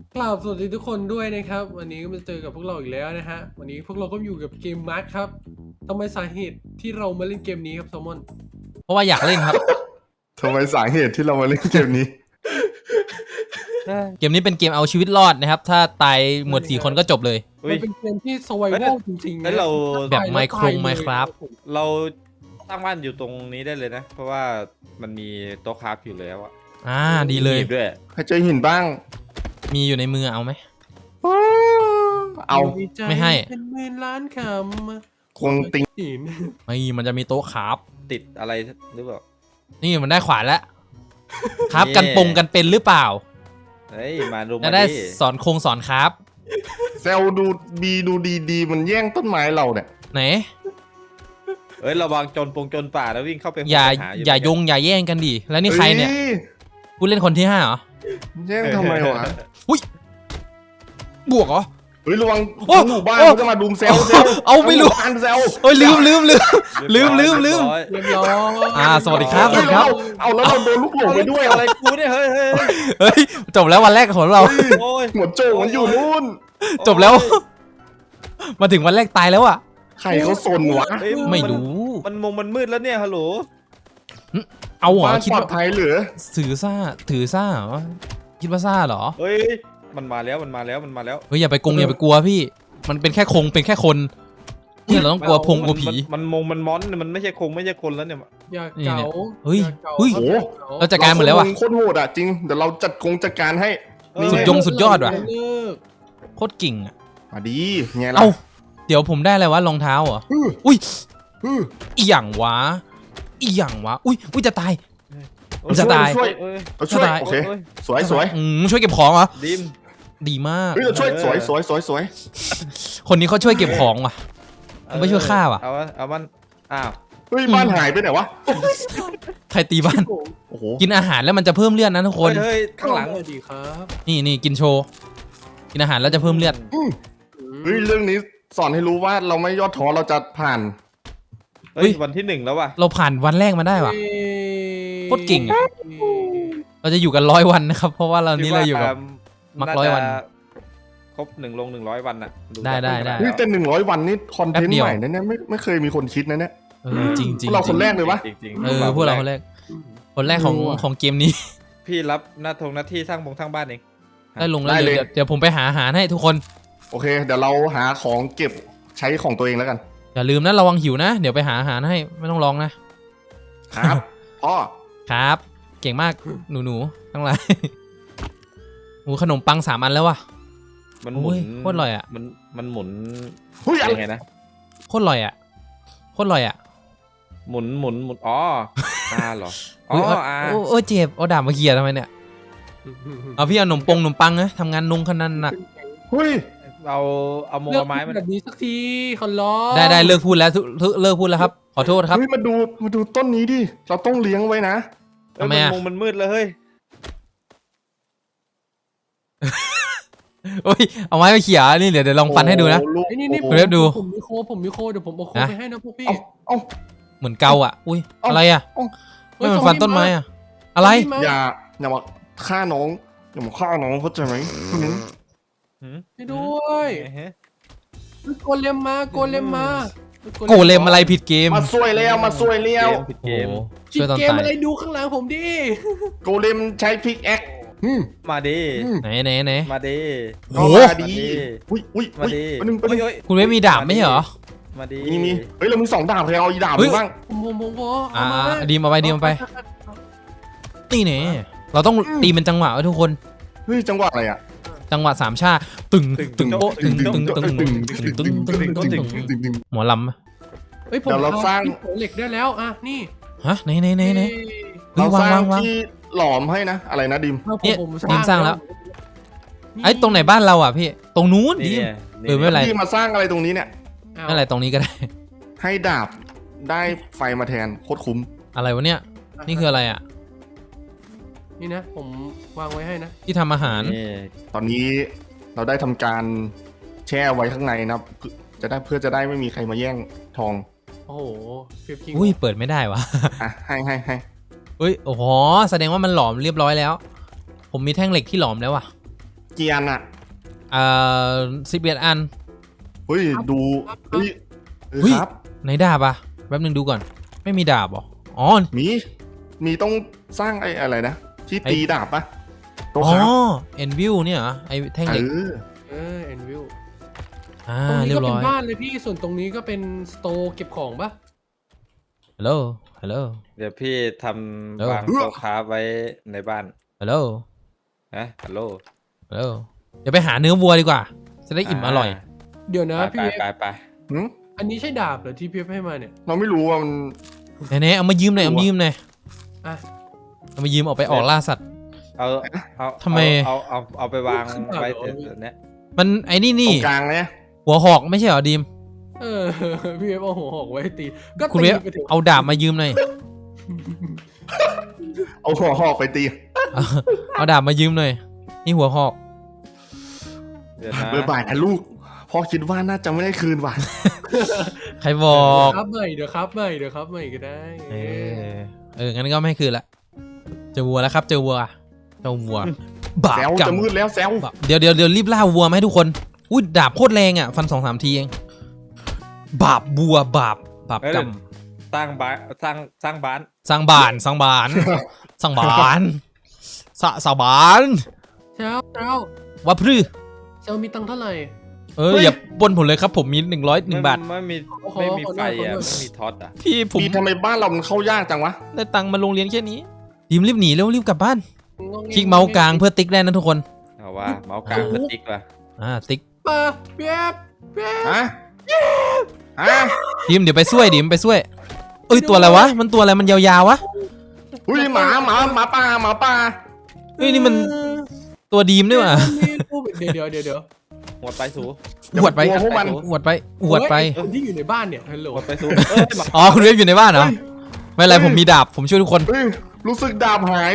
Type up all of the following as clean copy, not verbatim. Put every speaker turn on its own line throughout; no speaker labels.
กล่าวสวัสดีทุกคนด้วยนะครับวันนี้ก็มาเจอกับพวกเราอีกแล้วนะฮะวันนี้พวกเราก็อยู่กับเกมมาร์คครับทำไมสาเหตุที่เรามาเล่นเกมนี้ครับแซลมอน
เพราะว่าอยากเล่นครับ
ทำไมสาเหตุที่เรามาเล่นเกมนี้
เกมนี้เป็นเกมเอาชีวิตรอดนะครับ ถ้าตายหมด4 คนก็จบเลย
มันเป็นเกมที่สวายโวจริงๆ
แล้
นะ
วเรา
แบบไมโครไมค์ครับ
เราตั้งบ้านอยู่ตรงนี้ได้เลยนะ เพราะว่ามันมีโต๊ะคราฟอยู่แล้วอะ
ดีเลย
มีด้วย
ใครเจอหินบ้าง
มีอยู่ในมือเอาไหม
เอา
ใจ
ไม่ให้
เป็นหมื่นล้านคำ
คงติง
หิน
ไม่มันจะมีโต๊ะครับ
ติดอะไรหรือเปล่า
นี่มันได้ขวานแล้วครับกันปงกันเป็นหรือเปล่า
เฮ้ยมาดู
จะ
มา
ได้
ดิ
สอนสอนครับ
เซลดูบีดูดีมันแย่งต้นไม้เราเนี่ย
ไหน
เฮ้ยระวังจนจนป่าแล้ววิ่งเข้าไป
อย่า
ห
อย่ายงอย่าแย่งกันดิแล้วนี่ใครเนี่ย
อ้
ผู้เล่นคนที่5เหรอ
แย่งทำไมวะ
บวกเหรอ
เฮ้ยระวัง
โอ้
หมู่บ้าน
โอ้
เขาจะมาดุมเซล
เอาไม่รู้
อันเซล
เอ้ยลืม
เรียบร้อย
ลืม
เรียบร้อย
สวัสดีครับ
เฮ้ยเอาแล้วเราโดนลูกหลงไปด้วย
อะไรกูเนี่ยเฮ้ย
เฮ้ยจบแล้ววันแรกของเรา
โอ้ย
หัวโจกมันอยู่นู่น
จบแล้ว มาถึงวันแรกตายแล้วอ่ะ
ใครเขาซนวะ
เฮ้ย
ไม่รู้
มันมืดแล้วเนี่ยฮัลโหล
เอาเหรอ
บ้าน
คิด
ปลอ
ว่า
ดภัยเหรือ
ถือซ่าเหรอคิดว่าซ่าเหรอ
เฮ้ยมันมาแล้ว
เฮ้ยอย่าไปกลัวพี่ มันเป็นแค่เป็นแค่คนเนี่ยเราต้องกลัวพงกลัวผี
มันมอนมันไม่ใช่ไม่ใช่คนแล้วเนี่ย
อย่าเก๋า
เฮ้ย
อาก๋า
เฮ้ย
ครับอย่าเก๋า
เราจัดการหมดแล้วอ่ะ
โคตรโหดอ่ะจริงเดี๋ยวเราจัดการให้
สุดยอดว่ะ
เลิก
โคตรเก่งอ่ะ
มาดีไงล่ะ
เอ้าเดี๋ยวผมได้อะไรวะรองเท้าเหรอ
อื้อ
อุ้ย
อื้อ
อีหยังวะอุ้ยจะตาย มันจะตาย
ช่วย
เอ้ย
เราช่วย
จะตาย
โอเคสวย
ช่วยเก็บของเหรอ
ดิม
ดีมาก
เฮ้ยเราช่วยสวย
คนนี้เขาช่วยเก็บของว่ะ ไม่ช่วยฆ่าว่ะ
เอามันอ้าว
เฮ้ยบ้านหายไปไหนวะ
ใครตีบ้าน
โอ้โห
กินอาหารแล้วมันจะเพิ่มเลือดนะทุกคน
เฮ้ยข้างหลัง
สวัสดีครับ
นี่กินโชว์กินอาหารแล้วจะเพิ่มเลือด
เฮ้ยเรื่องนี้สอนให้รู้ว่าเราไม่ย่อท้อเราจะผ่าน
เฮ้ยวันที่ 1แล้วว่ะ
เราผ่านวันแรกมาได้ว่ะ โคตรเก่งอะ เราจะอยู่กัน100 วันนะครับ เพราะว่าเรานี้เราอยู่กับ มัก100 วัน
ครบ100 วันอ่ะ
ได้
เฮ้ยแต่100 วันนี่คอนเทน
แป๊บเดี
ต์
ยว
ใหม่นะเนี่ยไม่เคยมีคนคิดนะเนี่ย
จริง
พวกเราคนแรกเลยวะ
จริง
พวกเราคนแรกของเกมนี้
พี่รับหน้าที่สร้างบ้านเอง
ได้ลงแล้วเดี๋ยวผมไปหาอาหารให้ทุกคน
โอเค เดี๋ยวเราหาของเก็บใช้ของตัวเองแล้วกัน
อย่าลืมนะระวังหิวนะ เดี๋ยวไปหาอาหารให้ไม่ต้องร้องนะครับ
พ่อ
ครับ เก่งมากหนูทั้งหลายโอ้ขนมปัง3 อันแล้วว่ะ
มันหมุน
โอ้ยโคตรอร่อยอะ
มันหมุน
เฮ้ยอะไร
ยังไงนะ
โคตรอร่อยอ่ะ
หมุนอ๋อเหรออ๋
เฮ้ย
อ
โอ้เจ็บเอาดาบมาเขี่ยทำไมเนี่ยเอาพี่เอาขนมปังนะทำงานนุ่งขนาดหนัก
เฮ้ย
เอาโม
เลิก
ไม้
พู
มั
ด
น
แบบนี้สักทีขอร้อง
ได้เลิกพูดแล้วเลิกพูดแล้วครับ ขอโทษครับ
เฮ้ยมาดูต้นนี้ดิเราต้องเลี้ยงไว้นะ
ทำไมอะ
มันมืดเลยเฮ้ย
โอ้ยเอาไม้มาเขี่ยนี่เดี๋ยวลองฟันให้ดูนะ
โอ้โลูก
ไอ้นี่
โอ้โห
เดี๋ยวดู
ผมมีโคเดี๋ยวผมเอาโค
นะ
ไปให้นะพวกพี่
เอา
เหมือนเกาอ่ะอุ้ย
เอ้า
อะไรอ่ะ
เฮ้ย
ไม่มันฟันต้นไม้อ่ะอะไร
อย่ามาฆ่าน้องอย่ามาฆ่าน้องเข้าใจไหม
ให้ด้วยโกเลมมา
โกเลมอะไรผิดเกม
มาซวยแล้ว
ผิด
โอ้
เกม
โห
จิ
ช่วยตอน
เกม
ตาย
อะไรดูข้างหลังผมดิ
โกเลมใช้พิกแอค
มาดิ
ไหน
มาดิ
โอ้โห
มาดีอุ้ย
มาดิ
ประนึง
เฮ้ย
คุณไม่มีดาบไม่ใช่เหรอ
มาดิ
มีเฮ้ยเรามี2 ดาบใครเอาอีดาบ
เฮ้ย
บ้าง
ผมขอ
อ่า
เอามา
ดีมาไปนี่เนี่ยเราต้องตีเป็นจังหวะไว้ทุกคน
เฮ้ยจังหวะอะไรอ่ะ
จังหวะ3 ชาตึงโป๊ะตึงหมอลำ
เฮ้ยผม
เดี๋ยวเราสร้าง
ของเหล็กได้แล้วอ่ะนี่
ฮะไหน
เราสร้าง
วาง
ที่หลอมให้นะอะไรนะดิม
เนี่ย
ผม
ดิมสร้างแล้ว ไอ้ตรงไหนบ้านเราอ่ะพี่ตรงนู้นดิ
นี่
ไม่เป็นไร
ที่มาสร้างอะไรตรงนี้เนี่ย
ไม่เป็นไรตรงนี้ก็ได้
ให้ดาบได้ไฟมาแทนโคตรคุ้ม
อะไรวะเนี่ยนี่คืออะไรอ่ะ
นี่นะ ผมวางไว้ให้นะ
ที่ทำอาหาร
นี่
ตอนนี้เราได้ทำการแช่ไว้ข้างในนะครับเพื่อจะได้ไม่มีใครมาแย่งทอง
โอ้โหเพียบคิง
อุ้ยเปิดไม่ได้วะ
อ่ะให้
เฮ้ยโอ้โหแสดงว่ามันหลอมเรียบร้อยแล้ว ผมมีแท่งเหล็กที่หลอมแล้วอ่ะ
กี่อันอ่ะ
11 อัน
เฮ้ยดูเฮ้ย
เฮ้ย
ครับ
ไหนดาบอะแป๊บนึงดูก่อน ไม่มีดาบเหรออ๋อ
มีต้องสร้างไอ้อะไรนะที่ตีดาบปะโต๊ะ
อ๋อ
ครับ
เอ็นวิวเนี่ยเหรอไอแท่งเหล็ก
เอ็นวิว
อ่า
ตรงนี้
เรีย
ก็
บ
เป็
ร้
น
อย
บ้านเลยพี่ส่วนตรงนี้ก็เป็นสโตร์เก็บของปะ
ฮัลโหลฮัลโหล
เดี๋ยวพี่ท
เออ
ำวางโต๊ะค้าไว้ในบ้าน
ฮัลโหล
นะฮัลโหล
ฮัลโหลเดี๋ยวไปหาเนื้อวัวดีกว่า จะได้อิ่มอร่อย
เดี๋ยวนะ
ไป
พี่
ไป
หืม
อันนี้ใช่ดาบเหรอที่พี่ให้มาเนี่ย
เราไม่รู้ว่ามัน
ไหนๆเอามายืมหน่อยเอามายืมหน่อย
อ่ะ
เอามายืมออกไปออกล่าสัตว์
เอา
ทำไม
เอาไปวางไว้เนี้ย
มันไอ้นี่
ต
นี่
รงกลางเนี่ย
หัวหอกไม่ใช่เหรอดีม
เออ พี่เวฟเอาหัวหอกไว้ตีก็
คุณ
ตี
เวฟ
ไปถึง
เอาดาบมายืมหน่อย
เอาหัวหอกไปตี
เอาดาบมายืมหน่อย นี่หัวหอก
เดี๋ยวนะ
เบอร์บ่ายนะลูกพ่อคิดว่าน่าจะไม่ได้คืนว่ะ
ใครบอก
ครับใหม่เดี๋ยวครับใหม่เดี๋ยวครับใหม่ก็ได้
งั้นก็ไม่คืนละเจอวัวแล้วครับ เจอวัวเจ้าวัวบาป
แซว
กรร
จะ
ม
มืดแล้วแซว
เดี๋ยวรีบล่าวัวไหมาให้ทุกคนอุ้ยดาบโคตรแรงอ่ะฟัน2-3 ทีเองบาปวัวบาปกรรม
สร้างบ้านสร้างบ้าน
สร้างบ้านสร้างบ้านสร้างบ้านสาบาน
เช้า
ว่าพรื้
เช้ามีตังค์เท่าไหร่
อย่าปล้นผมเลยครับผมมี101 บาท
ไม่มี
ขอ
ไม่มี
ขอ
ไฟ
หน่อย
อ่ะ
ขอหน่อย
ไม่มีท็อตอ่ะ
พี่ผม
ปีทำไมบ้านเรามันเข้ายากจังวะ
ได้ตังค์มาโรงเรียนแค่นี้ดีมรีบหนีเร็วรีบกลับบ้าน
งง
คลิกเมาส์กลางเพื่อติ๊กได้นะทุกคน
เอาว่าเมาส์กลางสติ๊กว่ะ
ติ๊ก
ปะพี่เวฟ
ฮะฮะ
ดีมเดี๋ยวไปช่วยดีมไปช่วยเอ้ยตัวอะไรวะมันตัวอะไรมันยาวๆวะ
อุ้ยหมาป่า
เฮ้ยนี่มันตัวดีมด้วยว่ะ
เดี๋ยว
หมดไปสู
อวดไป
พวกมัน
อวดไปอวดไป
เฮ้ยคนที่อยู่ในบ้านเนี่ยฮัลโหล
หมดไปสู
อ๋อคุณเวฟอยู่ในบ้านเหรอไม่เป็นไรผมมีดาบผมช่วยทุกคน
เฮ้ยรู้สึกดาบหาย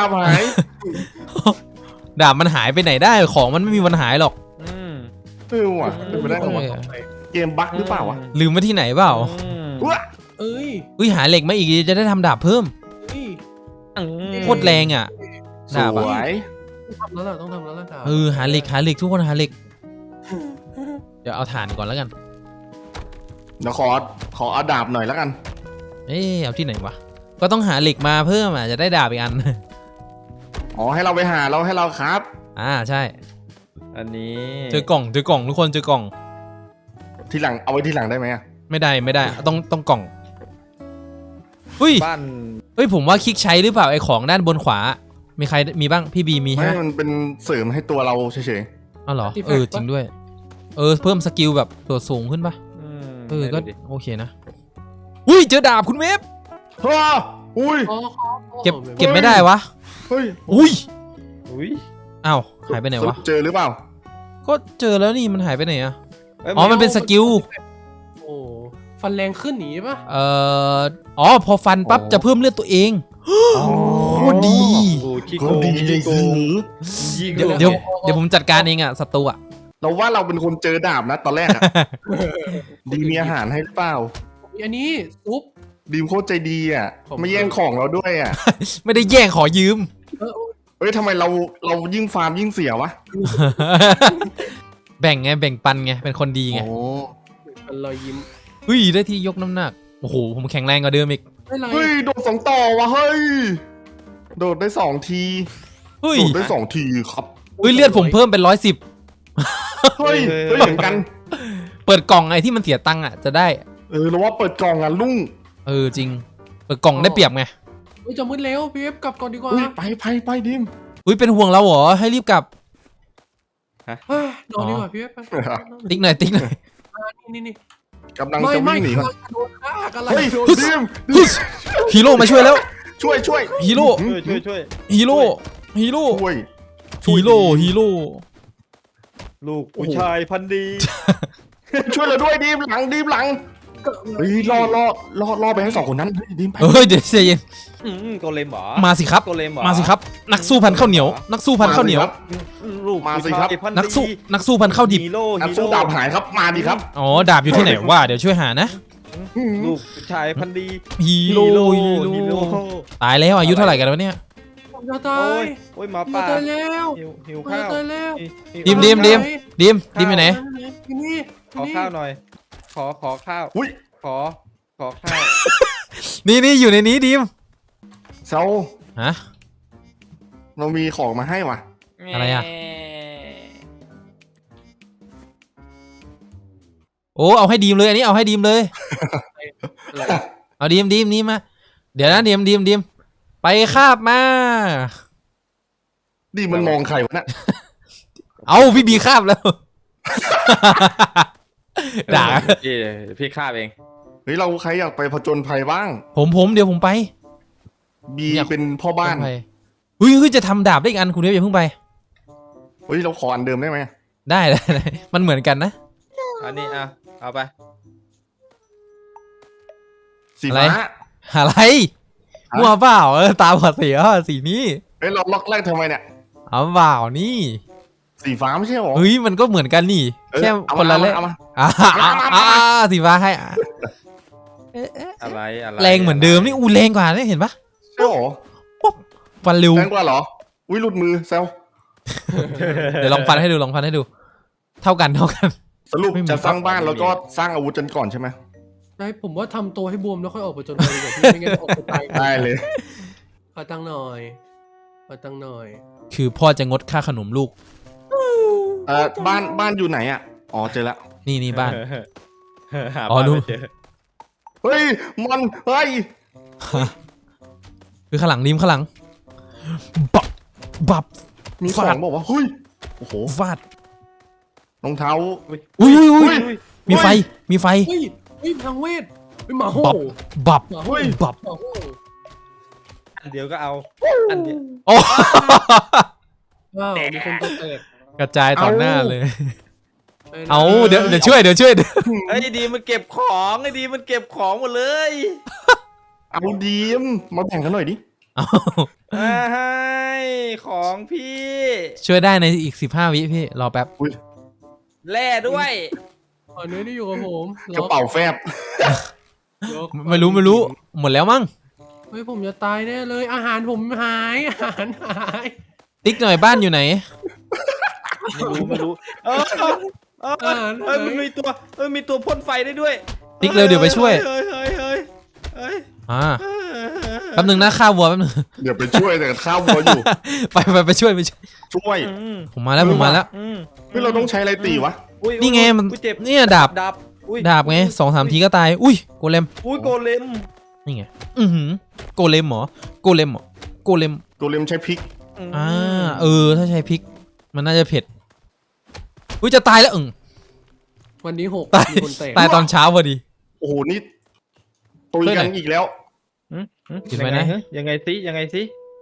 ดาบมันหายไปไหนได้ของมันไม่มีวันหายหรอก
ว่ะเป็นไปได้เหรอวะเกมบั๊กหรือเปล่าวะ
ลืมไว้ที่ไหนเปล่า
อุ๊ย
เอ้ย
อุ้ยหาเหล็กมาอีกจะได้ทำดาบเพิ่ม
เฮ้ย
โคตรแรงอ่ะ
ส
ดาบ
ว
อะ
ย
ต้องทำแล้วล่ะครับ
หาเหล็กทุกคนหาเหล็ก เดี๋ยวเอาถ่านก่อนแล้วกัน
เดี๋ยวขอเอาดาบหน่อยแล้วกัน
เอาที่ไหนวะก็ต้องหาเหล็กมาเพิ่มอ่ะจะได้ดาบอีกอัน
อ๋อให้เราไปหาเราให้เราครับ
ใช่
อันนี้
เจอกล่องทุกคนเจอกล่อง
ทีหลังเอาไว้ทีหลังได้ไหมอะ
ไม่ได้ต้องกล่องอุ้ย
บ้าน
เฮ้ยผมว่าคลิกใช้หรือเปล่าไอของด้านบนขวา มีใครมีบ้างพี่บีมี
ไม่
ใช่ไหม
มันเป็นเสริมให้ตัวเราเฉย
อ๋อเหรอจริงด้วยเพิ่มสกิลแบบตัวสูงขึ้นปะก็
ไหนดูดิ
โอเคนะอุ้ยเจอดาบคุณเวฟ
ๆฮ่าอุ้ย
เก็บไม่ได้วะ
เฮ้ย
อุ้ย
อุ้ย
อ้าวหายไปไหนวะ
เจอหรือเปล่า
ก็เจอแล้วนี่มันหายไปไหนอะ
เอ้ย
อ๋อมันเป็นสกิล
โอ้ฟันแรงขึ้นหนีปะ
พอฟันปั๊บจะเพิ่มเลือดตัวเอง โคตรดี
โอ้ขี้
โค
โก
ตรง ดี
ขี้โกง
เดี๋ยวผมจัดการเองอะศัตรูอะ
เราว่าเราเป็นคนเจอดาบนะตอนแรกอะดีมีอาหารให้หรือเปล่า
อันนี้ซุป
ดีมโคตรใจดีอ่ะ
ผม
ไม่แย่งของเราด้วยอ่ะ
ไม่ได้แย่งขอยืม
เฮ้ยทำไมเรายิ่งฟาร์มยิ่งเสียวะ
แบ่งปันไงเป็นคนดีไง
โอ้
เป็นรอยยิ้ม
เฮ้ยได้ที่ยกน้ำหนักโอ้โหผมแข็งแรงกว่าเดิมอีก
ไม่ไร
เฮ้ยโดด2 ต่อวะเฮ้ยโดดได้2 ที
เฮ้ย
โดดได้2 ทีครับ
เลือดผมเพิ่มเป็น110
เฮ้ยเหมือนกัน
เปิดกล่องไอ้ที่มันเสียตังค์อะจะได้
เราว่าเปิดกล่องอ่ะลุง
จริงเปิดกล่องได้เปรียบไง
จะมืดแล้วพี่เอฟกลับก่อนดีกว่า
อุ้ยไปดิม
เป็นห่วงเราเหรอให้รีบกลับ
นอนดีกว่าพี่เอฟ
ติ๊กหน่อย
นี่
กำลังจะวิ่งหนี
ไม่
ก่อน
โดนฆ่ากัน
เฮ้ย
โดน
ดิม
ฮีโร่มาช่วยแล้ว
ช่วย
ฮีโร่
ช่วย
ฮีโร่ฮีโร่
ช่วย
ฮีโร่
ลูกผู้ชายพันธุ์ดี
ช่วยเราด้วยดิมหลังเฮ้ยรอไปให้2 คนนั้นดิมไป
เดี๋ยวใจเย็น
โกเลมเหรอ
มาสิครับ
โกเลมเหรอ
มาสิครับ นักสู้พันข้าวเหนียว นักสู้พันข้าวเหนียว
ลูก
มาสิ
ผู้
ครับ
ชายพันธุ์
นัก
ดี
สู้พันข้าวดิบ
ฮีโร่
นักสู้ดาบหายครับมาดิครับ
อ๋อดาบอยู่ที่ไหนว่าเดี๋ยวช่วยหานะ
ลูกผู้ชายพันธุ์ดี
ฮีโร่ ตายแล้วอายุเท่าไหร่กันวะเนี่ย
ผมจะตา
โอ้
ย
ยโอ้ยหมา
ผม
ป่า
จะตายแล้ว
หิว
ผม
ข้า
จะ
ว
ตายแล้ว
หิว
ดิมอยู่ไหน
ที่นี่
ขอข้าวหน่อย ขอข้าว
อุ้ย
ขอข้าว
นี่อยู่ในนี้ดิม
เซา
ฮะ
เรามีของมาให้ว่ะ
อะไรอะ โอ้เอาให้ดีมเลยอันนี้เอาให้ดีมเลย
อะไร
เอาดีมนี่มาเดี๋ยวนะดีมไปคาบมา
ดีมันมองใครวะเนี่ย
เอาพี่บีคาบแล้ว ด่า
พี่ข้าเอง
เฮ้ยเราใครอยากไปผจญภัยบ้าง
ผมเดี๋ยวผมไป
บี
อยาก
เป็นพ่อบ้าน
ไปเฮ้ยจะทำดาบได้อีกอันคุณเดี๋ยวอย่าเพิ่งไป
เฮ้ยเราขออันเดิมได้ไหม
ได้มันเหมือนกันนะ
อันนี้เอาไป
สีฟ้า
อะไร
ฮะ
มั่วเปล่าตาบอดสีสีนี้
เฮ้ยเราล็อกแรกทำไมเนี่ย
เอาเปล่านี่
สีฟ้าไม่ใช่หรอ
เฮ้ยมันก็เหมือนกันนี่
เออ
แค่
เอา
คนละเล่
เอามา
สีฟ้าให้
อะไร
แรงเหมือนเดิมนี่แรงกว่านี่เห็นปะ
ใช่หรอ
ฟันเร็ว
แรงกว่าเหรอ อุ้ยหลุดมือเซล
เดี๋ยวลองฟันให้ดูเท่ากัน
สรุป
ไม่มี
จะสร้างบ้านแล้วก็สร้างอาวุธกันก่อนใช่ไหม
ได้ผมว่าทำตัวให้บวมแล้วค่อยออกไปจนไปดีกว่าพี่ไม่งั้นออกไปตาย
ได้เลย
ขอตังค์หน่อย
คือพ่อจะงดค่าขนมลูก
บ้านอยู่ไหนอ่ะ อ๋อเจอแล้ว
นี่บ้าน
หา
อ๋อ
บ้าน
รู้
ไม่เจอ
เฮ้ยเฮ้ย
คือข้างหลังริมข้างหลังบับ
มีข
ฟา
อ
ด
งบอกว่าเฮ้ย โอ้โห
ฟาด
รองเท้า
อุ้ย
อุ้ย
มีไฟ
เฮ้ยทางเวทหมาโห
บับ
หมาโห
บับ
หมาโห
อันเดียวก็เอาอันเดียว
โอ้
ว้าวมีคนตัวแตก
กระจายต่อหน้าเลย
ไปนะ
เอาเดี๋ยวช่วย
ไอ้ดีมันเก็บของไอ้ดีมันเก็บของหมดเลย
เอาดีมมาแบ่งกันหน่อยดิ
เอา
ให้ของพี่
ช่วยได้ในอีก15 วิพี่รอแป๊บ
แล่ด้วย
อันนี้ที่อยู่กับผม
กระเป๋าแฟบ
ล็อก
ไม่รู้หมดแล้วมั้ง
เฮ้ยผมจะตายแน่เลยอาหารผมหายอาหารหาย
ติ๊กหน่อยบ้านอยู่ไหน
ไม่รู้มันมีตัวพ่นไฟได้ด้วย
ติ๊กเร็วเดี๋ยวไปช่วย
เฮ้ย
แป๊บนึงนะข้าววัวแป๊บนึง
เดี๋ยวไปช่วยแต่ข้าววัวอยู่
ไปช่วย
ช่วย
ผมมาแล้ว
เฮ้ยเราต้องใช้อะไรตีวะ
นี่ไงมัน
เจ็บ
เนี่ยดาบ ดาบไง2-3 ทีก็ตายอุ้ยโกเลม
อุ้ยโกเลม
นี่ไงโกเลมเหรอโกเลม
ตัวเลมใช้พริก
ถ้าใช้พริก มันน่าจะเผ็ดอุ้ยจะตายแล้ว
วันนี้6
ตาย
มีคนแตก
ตายตอนเช้าพอดี
โอ้โหนี่ตุยกันอีกแล้ว
เห็นไหมนะ
ยังไงสิ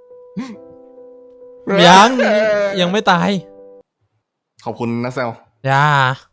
ยังไม่ตาย
ขอบคุณนะเซล
ยา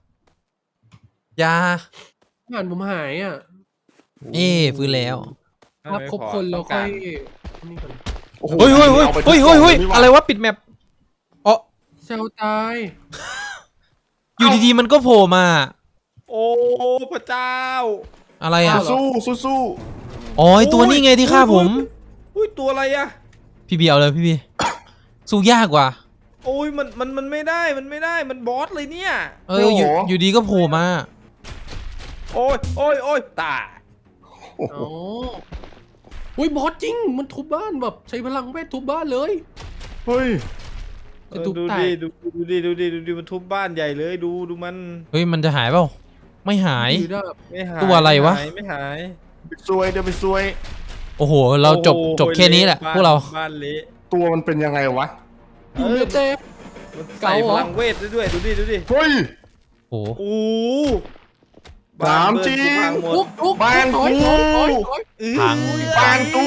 อาหารผมหายอ่ะ
ฟื้นแล้ว
ครับครบคนแล้วค่อยนี่ก่อน
โอ้โห
เฮ้ย
อาไปทุกกล่องนี่หว่า
อะไรวะปิดแมปอ๋อ
เซลตาย
อยู่ดีๆมันก็โผล่มา
โอ้พระเจ้า
อะไรอ่ะ
สู้
อ๋อไอตัวนี้ไงที่ฆ่าผม
อุ้ยตัวอะไรอะ
พี่บีเอาเลยพี่บีสู้ยากกว่า
โอ้ยมันไม่ได้มันบอสเลยเนี่ย
อยู่ดีก็โผล่มา
โอ้ยตาย
โอ้โห
อ๋ออุ้ยบอสจริงมันทุบบ้านแบบใช้พลังเวททุบบ้านเลย
เฮ้ย
จะทุบ
ดู
แต
ดิ
ก
ดูดิมันทุบบ้านใหญ่เลยดูมัน
เฮ้ยมันจะหายเปล่าไม่หาย
ถือดาบ
ไม่หาย
ตัวอะไรวะ
ไม่หาย
ไปซวยเดี๋ยวไปซวย
โอ้โหเราจบแค่นี้แหละพวกเรา
บ้านเละ
ตัวมันเป็นยังไงวะ
อยู่ในเต็ม
มันใส่พลังเวทได้ด้วยดูดิ
เฮ้ย
โอ้โห
โอ้
ถามจริง
ทุก
บ้านกู
พัง
บ้านกู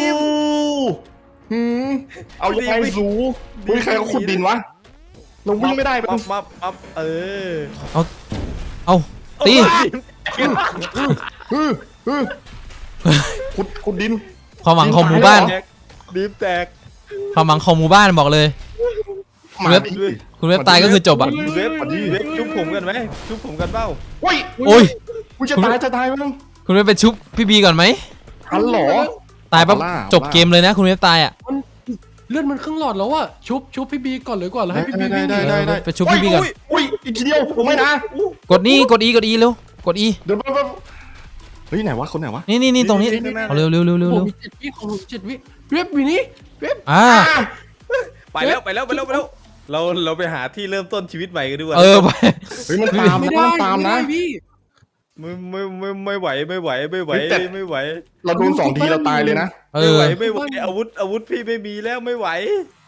เอายังไงสูเฮ้ยใครเขาขุดดินวะเราวิ่งไม่ได้ปะ
ปั๊บ
เอาตี
ขุดดิน
ความหวังของหมู่บ้าน
ดิบแตก
ความหวังของหมู่บ้านบอกเลย
มาดิ
คุณเว็บตายก็คือจบอ่ะ
เว็บชุบผมกันไหมชุบผมกันเปล่า
โอ้ย
โอ้ย
กูจะตายมั้ง
คุณเว็บไปชุบพี่บีก่อนไหม
ทันเหรอ
ตายปั๊บ
บ้า
จบเกมเลยนะคุณเว็บตายอ่ะ
เลือดมันครึ่งหลอดแล้วอะชุบพี่บีก่อนเลยก่อนแล้วให้พี่บีวิ่งหนี
ได้
ไปชุบพี่บีก่อน
อุ้ยอีกทีเดียวผมไม่นะ
กดนี่กด E กด E เร็วกด E
เดี๋ยวเฮ้ยไหนวะคนไหนวะ
นี่ตรงนี้เอาเร็ว
ผมมี7 วิของผม7 วิเว็บวินี่เว็บ
อ่า
ไปแล้วเราไปหาที่เริ่มต้นชีวิตใหม่กันดีกว่า
เออไป
เฮ้ยมันตาม
ไม่
นะ
ได้
มันตาม
ไม่
นะ
ได้พี่
ไม่ไหว
เราโดน2 ทีเราตายเลยนะ
เอ
ไม่
อ
ไหวอาวุธพี่ไม่มีแล้วไม่ไหว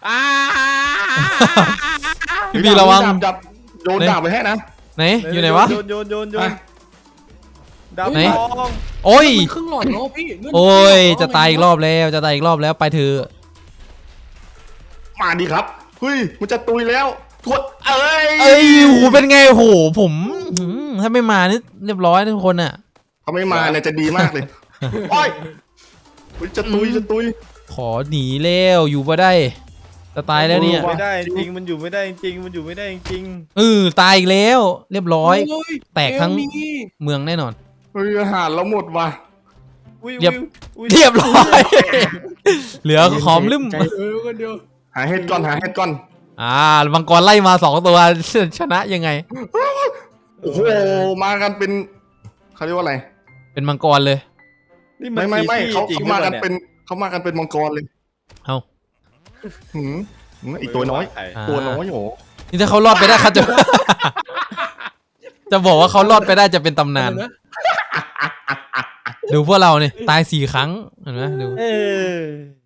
พี่บีระวัง
จับโยนดาบไปให้นะ
ไหนอยู่ไหนวะ
โยนดาบ
ไหน
ทอง
โอ้ย
มันครึ่งหลอดแล้วพี่เลืด
โอ้ยจะตายอีกรอบแล้วไปเถอะ
มาดิครับเฮ้ยมันจะตุยแล้วทวดเอ้ย
เอ้ยโหเป็นไงโหผมถ้าไม่มานี่เรียบร้อยทุกคนอ่ะ
เขาไม่มาเนี่ยจะดีมากเลยโอ้ยจะตุย
ขอหนีแล้วอยู่บ่ได้จะตายแล้วเนี่ย
ไม่ได้จริงมันอยู่ไม่ได้จริง
ตายอีกแล้วเรียบร้อย
โย
แตกทั้ง
เอมี่
เมืองแน่นอน
เฮ้ยอาหารเราหมดว่ะ
เรียบร้อย เหลือขอมลืม
คนเดียว
หาเห็ดก่อน
มังกรไล่มา2 ตัวชนะยังไง
โอ้โหมากันเป็นเขาเรียกว่าอะไร
เป็นมังกรเลย
ไม่เขามากันเป็นมังกรเลย
เอา
หืมอีกตัวน้อย ตัวน้อยโห
นี่ถ้าเขารอดไปได้เขาจะ จะบอกว่าเขารอดไปได้จะเป็นตำนาน
นะ
ดูพวกเราเนี่ยตาย4 ครั้งเห็นไหมดู
เออ